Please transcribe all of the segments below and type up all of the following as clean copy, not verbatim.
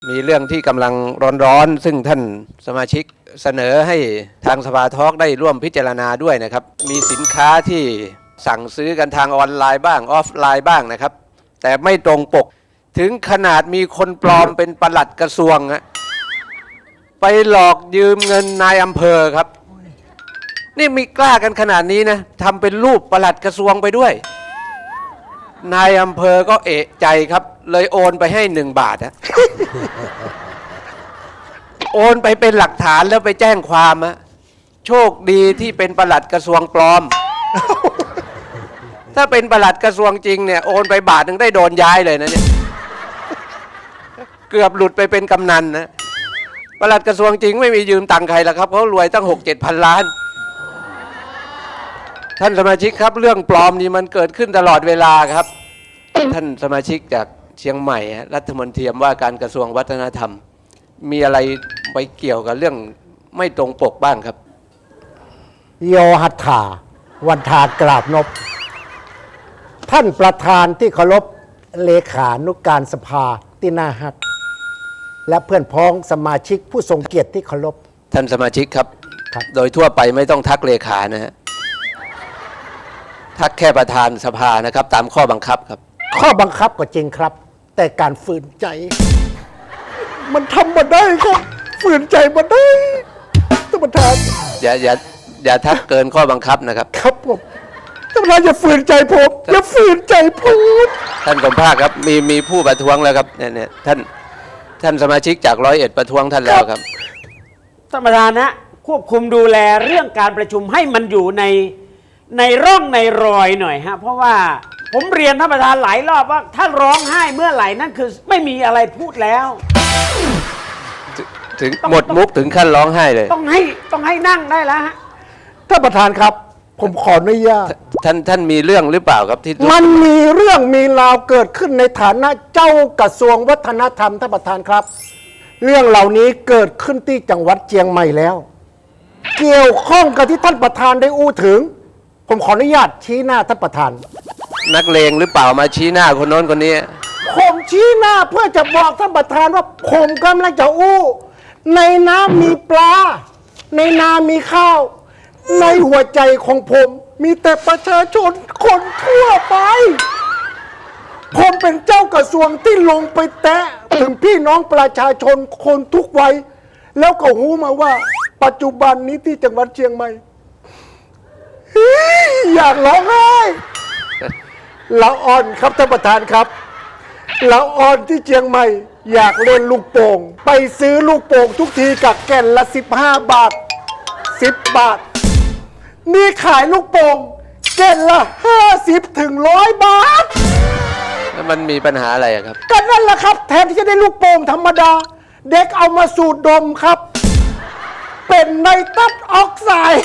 มีเรื่องที่กำลังร้อนๆซึ่งท่านสมาชิกเสนอให้ทางสภาทอล์กได้ร่วมพิจารณาด้วยนะครับมีสินค้าที่สั่งซื้อกันทางออนไลน์บ้างออฟไลน์บ้างนะครับแต่ไม่ตรงปกถึงขนาดมีคนปลอมเป็นปลัดกระทรวงไปหลอกยืมเงินนายอำเภอครับนี่มีกล้ากันขนาดนี้นะทำเป็นรูปปลัดกระทรวงไปด้วยนายอำเภอก็เอะใจครับเลยโอนไปให้1 บาทโอนไปเป็นหลักฐานแล้วไปแจ้งความโชคดีที่เป็นปลัดกระทรวงปลอม ถ้าเป็นปลัดกระทรวงจริงเนี่ยโอนไป1 บาทได้โดนย้ายเลยนะเนี่ย เกือบหลุดไปเป็นกำนันนะปลัดกระทรวงจริงไม่มียืมตังค์ใครแล้วครับเขารวยตั้ง6-7 พันล้านท่านสมาชิกครับเรื่องปลอมนี่มันเกิดขึ้นตลอดเวลาครับ ท่านสมาชิกจากเชียงใหม่รัฐมนตรีว่าการกระทรวงวัฒนธรรมมีอะไรไปเกี่ยวกับเรื่องไม่ตรงปกบ้างครับโยหัตถาวันทากราบนบท่านประธานที่เคารพเลขานุการสภาที่น่าฮักและเพื่อนพ้องสมาชิกผู้ทรงเกียรติที่เคารพท่านสมาชิกครับครับโดยทั่วไปไม่ต้องทักเลขานะฮะทักแค่ประธานสภานะครับตามข้อบังคับครับข้อบังคับก็จริงครับ แต่การฝืนใจ มันทำมาได้ครับฝืนใจมาได้ท่านประธานอย่าทักเกินข้อบังคับนะครับครับผมท่านประธานอย่าฝืนใจผมอย่าฝืนใจพูดท่านสมภาคครับมีผู้ประท้วงแล้วครับเนี่ยท่านสมาชิกจาก101ประท้วงท่านแล้วครับท่านประธานนะควบคุมดูแลเรื่องการประชุมให้มันอยู่ในร่องในรอยหน่อยฮะเพราะว่าผมเรียนท่านประธานหลายรอบว่าถ้าร้องไห้เมื่อไหร่นั่นคือไม่มีอะไรพูดแล้วถึงหมดมุกถึงขั้นร้องไห้เลยต้องให้นั่งได้แล้วฮะท่านประธานครับผมขออนุญาตท่านมีเรื่องหรือเปล่าครับที่มันมีเรื่องมีราวเกิดขึ้นในฐานะเจ้ากระทรวงวัฒนธรรมท่านประธานครับเรื่องเหล่านี้เกิดขึ้นที่จังหวัดเชียงใหม่แล้วเกี่ยวข้องกับที่ท่านประธานได้อู้ถึงผมขออนุญาตชี้หน้าท่านประธานนักเลงหรือเปล่ามาชี้หน้าคนโน้นคนนี้ผมชี้หน้าเพื่อจะบอกท่านประธานว่าผมกำลังจะอู้ในน้ำมีปลาในนามีข้าวในหัวใจของผมมีแต่ประชาชนคนทั่วไปผมเป็นเจ้ากระทรวงที่ลงไปแตะถึงพี่น้องประชาชนคนทุกวัยแล้วก็รู้มาว่าปัจจุบันนี้ที่จังหวัดเชียงใหม่อยากร้องไห้ละอ่อนครับท่านประธานครับละอ่อนที่เชียงใหม่อยากเล่นลูกโป่งไปซื้อลูกโป่งทุกทีกับแก่นละ15 บาท10 บาทนี่ขายลูกโป่งแก่นละ50 ถึง 100 บาทแล้วมันมีปัญหาอะไรครับก็นั่นแหละครับแทนที่จะได้ลูกโป่งธรรมดาเด็กเอามาสูดดมครับเป็นไนตรัสออกไซด์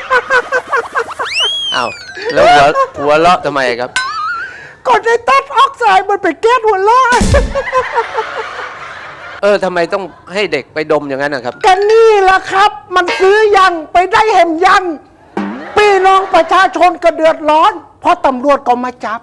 อ้าวแล้วหัวเลาะทำไมครับก็ไนตรัสออกไซด์มันเป็นแก๊สหัวเราะทำไมต้องให้เด็กไปดมอย่างนั้นนะครับกันนี่แหละครับมันซื้อยังไปได้เห็มยังพี่น้องประชาชนก็เดือดร้อนเพราะตำรวจก็มาจับ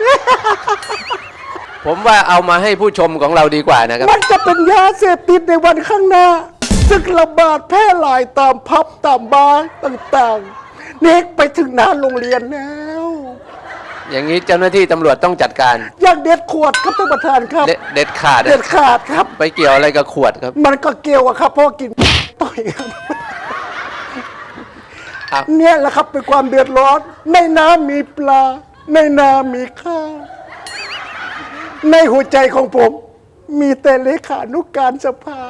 ผมว่าเอามาให้ผู้ชมของเราดีกว่านะครับมันจะเป็นยาเสพติดในวันข้างหน้าซึ่งระบาดแพร่หลายตามพับตามบาร์ต่างๆเน็กไปถึงหน้าโรงเรียนแล้วอย่างนี้เจ้าหน้าที่ตำรวจต้องจัดการอย่างเด็ดขวดครับท่านประธานครับเด็ดขาดครับไปเกี่ยวอะไรกับขวดครับมันก็เกี่ยวครับเพราะกินต่อยครับเนี่ยแหละครับเป็นความเดือดร้อนในน้ำมีปลาในนามีข้าวในหัวใจของผมมีแต่เลขานุการสภา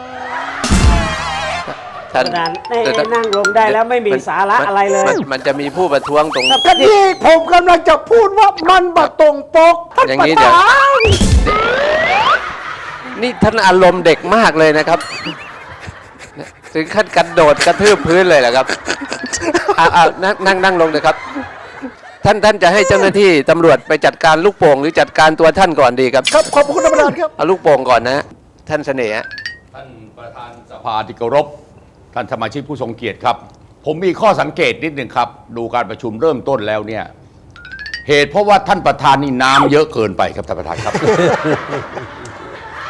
ท่านนั่งลงได้แล้วไม่มีสาระอะไรเลยมันจะมีผู้ประท้วงตรงที่ผมกำลังจะพูดว่ามันบัดตรงปกอย่างนี้เดี๋ยวนี่ท่านอารมณ์เด็กมากเลยนะครับถึงขั้นกระโดดกระทืบพื้นเลยเหรอครับนั่งลงเลยครับท่านจะให้เจ้าหน้าที่ตำรวจไปจัดการลูกโป่งหรือจัดการตัวท่านก่อนดีครับครับขอบคุณท่านประธานครับเอาลูกโป่งก่อนนะท่านเสน่ห์ท่านประธานสภาที่เคารพท่านสมาชิกผู้ทรงเกียรติครับผมมีข้อสังเกตนิดหนึ่งครับดูการประชุมเริ่มต้นแล้วเนี่ยเหตุเพราะว่าท่านประธานนี่น้ำเยอะเกินไปครับท่านประธานครับ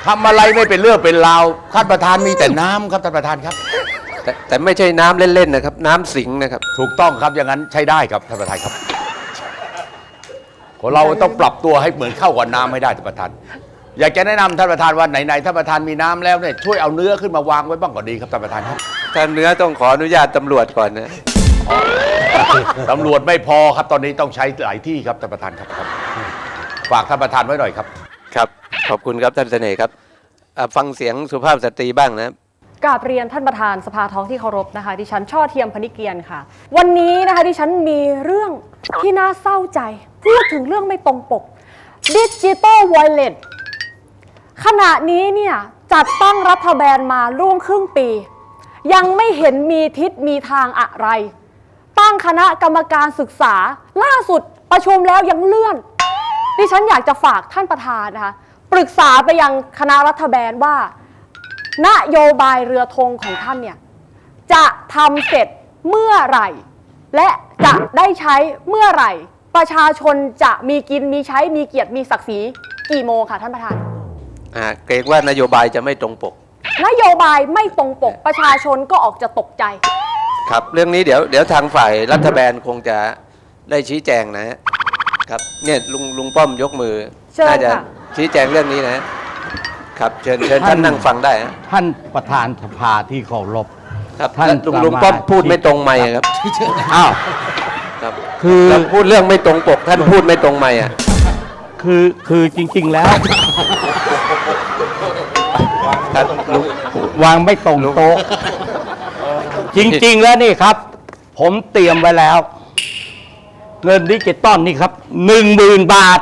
ทำอะไรไม่เป็นเรื่องเป็นราวท่านประธานมีแต่น้ำครับท่านประธานครับแต่ไม่ใช่น้ำเล่นๆนะครับ น้ำสิงนะครับถูกต้องครับอย่างนั้นใช้ได้ครับท่านประธานครับคนเราต้องปรับตัวให้เหมือนเข้ากับน้ำให้ได้ท่านประธาน อยากจะแนะนำท่านประธานว่าไหนๆท่านประธานมีน้ำแล้วเนี่ยช่วยเอาเนื้อขึ้นมาวางไว้บ้างก็ดีครับท่านประธานครับถ้าเนื้อต้องขออนุญาตตำรวจก่อนนะตำรวจไม่พอครับตอนนี้ต้องใช้หลายที่ครับท่านประธานครับฝากท่านประธานไว้หน่อยครับครับ ขอบคุณครับท่านเสน่ห์ครับฟังเสียงสุภาพสตรีบ้างนะกราบเรียนท่านประธานสภาท้องที่เคารพนะคะดิฉันช่อเทียมพนิเกียรค่ะ วันนี้นะคะดิฉันมีเรื่องที่น่าเศร้าใจ พูดถึงเรื่องไม่ตรงปกดิจิตอลวอลเล็ตขณะนี้เนี่ยจัดตั้งรัฐบาลมาร่วมครึ่งปี ยังไม่เห็นมีทิศมีทางอะไร ตั้งคณะกรรมการศึกษาล่าสุดประชุมแล้วยังเลื่อน ดิฉันอยากจะฝากท่านประธานนะคะปรึกษาไปยังคณะรัฐบาลว่านโยบายเรือธงของท่านเนี่ยจะทำเสร็จเมื่อไหร่ และจะได้ใช้เมื่อไหร่ ประชาชนจะมีกินมีใช้มีเกียรติมีศักดิ์ศรีกี่โมงค่ะท่านประธานเกรงว่านโยบายจะไม่ตรงปกนโยบายไม่ตรงปกประชาชนก็ออกจะตกใจครับ เรื่องนี้เดี๋ยวทางฝ่ายรัฐบาลคงจะได้ชี้แจงนะฮะครับเนี่ยลุงป้อมยกมือเชิญน่าจะค่ะชี้แจงเรื่องนี้นะครับเชิญท่านนั่งฟังได้ฮะท่านประธานสภาที่เคารพครับท่านลุงป้อมพูดไม่ตรงไมค์ครับอ้าวครับคือเราพูดเรื่องไม่ตรงปก ท่านพูดไม่ตรงไมค์อ่ะคือจริง ๆ แล้วท่านลุงวางไม่ตรงโต๊ะ จริง ๆ แล้วนี่ครับ ผมเตรียมไว้แล้ว เงินดิจิตอลนี่ครับ 10,000 บาท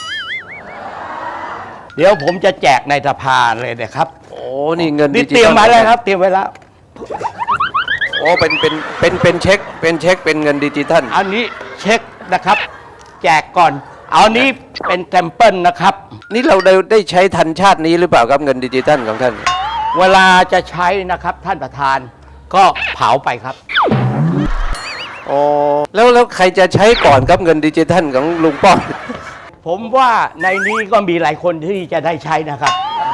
เดี๋ยวผมจะแจกในสภาเลยนะครับโอ้นี่เงินนี่ดิจิตอลเตรียมไว้แล้วครับ เตรียมไว้แล้วโอ้เป็นเช็คเป็นเงินดิจิทัลอันนี้เช็คนะครับ แจกก่อน เอานี้เป็นแซมเปิลนะครับนี่เราได้ใช้ทันชาตินี้หรือเปล่าครับเงินดิจิทัลของท่านเวลาจะใช้นะครับท่านประธานก็เผาไปครับโอ้แล้วใครจะใช้ก่อนครับเงินดิจิทัลของลุงป้อมผมว่าในนี้ก็มีหลายคนที่จะได้ใช้นะครับ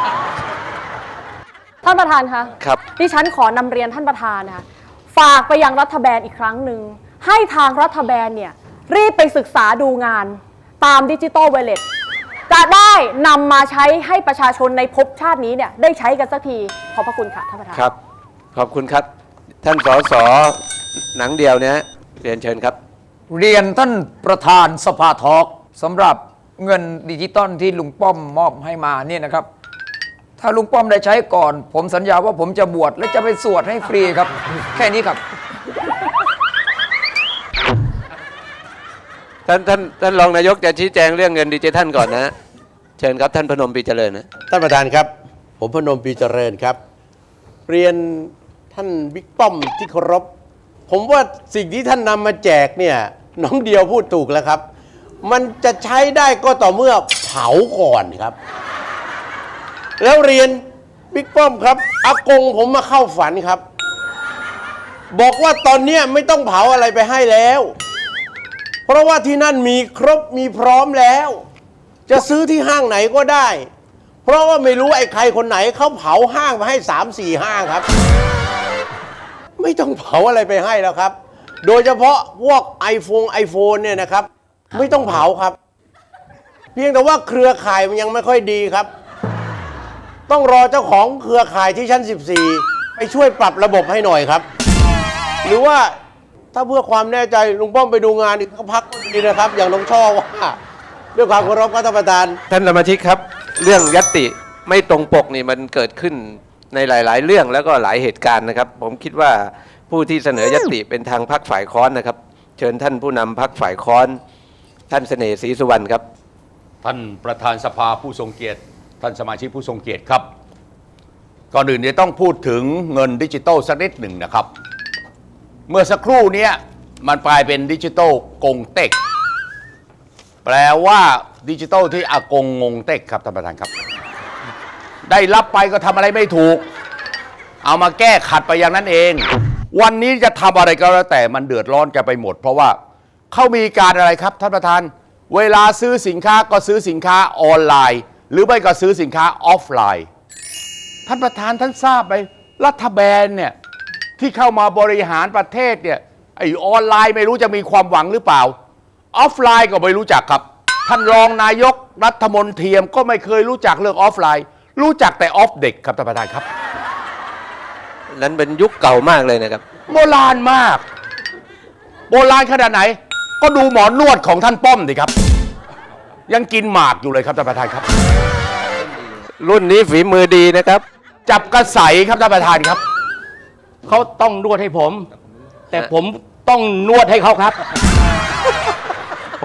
ท่านประธานคะครับดิฉันขอนำเรียนท่านประธานนะคะฝากไปยังรัฐบาลอีกครั้งหนึ่งให้ทางรัฐบาลเนี่ยรีบไปศึกษาดูงานตามดิจิตอลวอลเล็ตจะได้นำมาใช้ให้ประชาชนในภพชาตินี้เนี่ยได้ใช้กันสักทีขอบพระคุณค่ะท่านประธานครับ ขอบคุณครับ ท่านสสหนังเดียวเนี่ยเรียนเชิญครับเรียนท่านประธานสภาทอล์กสำหรับเงินดิจิตอลที่ลุงป้อมมอบให้มาเนี่ยนะครับ ถ้าลุงป้อมได้ใช้ก่อน ผมสัญญาว่าผมจะบวชและจะไปสวดให้ฟรีครับ แค่นี้ครับท่านรองนายกจะชี้แจงเรื่องเงินดิจิทัลก่อนนะ เชิญครับท่านพนมปรีเจริญนะท่านประธานครับ ผมพนมปรีเจริญครับ เรียนท่านบิ๊กป้อมที่เคารพ ผมว่าสิ่งที่ท่านนำมาแจกเนี่ยน้องเดียวพูดถูกแล้วครับ มันจะใช้ได้ก็ต่อเมื่อเผาก่อนครับ แล้วเรียนบิ๊กป้อมครับอากงผมมาเข้าฝันครับ บอกว่าตอนเนี้ยไม่ต้องเผาอะไรไปให้แล้ว เพราะว่าที่นั่นมีครบมีพร้อมแล้ว จะซื้อที่ห้างไหนก็ได้ เพราะว่าไม่รู้ไอ้ใครคนไหนเขาเผาห้างมาให้3-4 ห้างครับ ไม่ต้องเผาอะไรไปให้แล้วครับ โดยเฉพาะพวกไอโฟนเนี่ยนะครับ ไม่ต้องเผาครับ เพียงแต่ว่าเครือข่ายมันยังไม่ค่อยดีครับ ต้องรอเจ้าของเครือข่ายที่ชั้น 14 ไปช่วยปรับระบบให้หน่อยครับ หรือว่าถ้าเพื่อความแน่ใจลุงป้อมไปดูงานอีกสักพักก็ดีนะครับ อย่างน้องช่อว่าด้วยความเคารพครับท่านประธานท่านสมาชิกครับ เรื่องยัตติไม่ตรงปกนี่มันเกิดขึ้นในหลาย ๆ เรื่องแล้วก็หลายเหตุการณ์นะครับ ผมคิดว่าผู้ที่เสนอยัตติเป็นทางพรรคฝ่ายค้อนนะครับ เชิญท่านผู้นำพรรคฝ่ายค้อน ท่านเสน่ห์ศรีสุวรรณครับท่านประธานสภาผู้ทรงเกียรติท่านสมาชิกผู้ทรงเกียรติครับก่อนอื่นจะต้องพูดถึงเงินดิจิตอลสักนิดหนึ่งนะครับ เมื่อสักครู่นี้มันกลายเป็นดิจิตอลกงเต็กแปลว่าดิจิตอลที่อากงงงเต็กครับท่านประธานครับ ได้รับไปก็ทำอะไรไม่ถูก เอามาแก้ขัดไปอย่างนั้นเอง วันนี้จะทำอะไรก็แล้วแต่มันเดือดร้อนกันไปหมด เพราะว่าเขามีการอะไรครับท่านประธานเวลาซื้อสินค้าก็ซื้อสินค้าออนไลน์ หรือไม่ก็ซื้อสินค้าออฟไลน์ท่านประธานท่านทราบไหมรัฐบาลเนี่ยที่เข้ามาบริหารประเทศเนี่ยไอ้ออนไลน์ไม่รู้จะมีความหวังหรือเปล่าออฟไลน์ก็ไม่รู้จักครับท่านรองนายกรัฐมนตรีก็ไม่เคยรู้จักเรื่องออฟไลน์ รู้จักแต่ออฟเด็กครับท่านประธานครับนั้นเป็นยุคเก่ามากเลยนะครับโบราณมาก โบราณขนาดไหน ก็ดูหมอนวดของท่านป้อมดิครับ ยังกินหมากอยู่เลยครับท่านประธานครับรุ่นนี้ฝีมือดีนะครับจับกระใสครับท่านประธานครับเขาต้องนวดให้ผม แต่ผมต้องนวดให้เขาครับ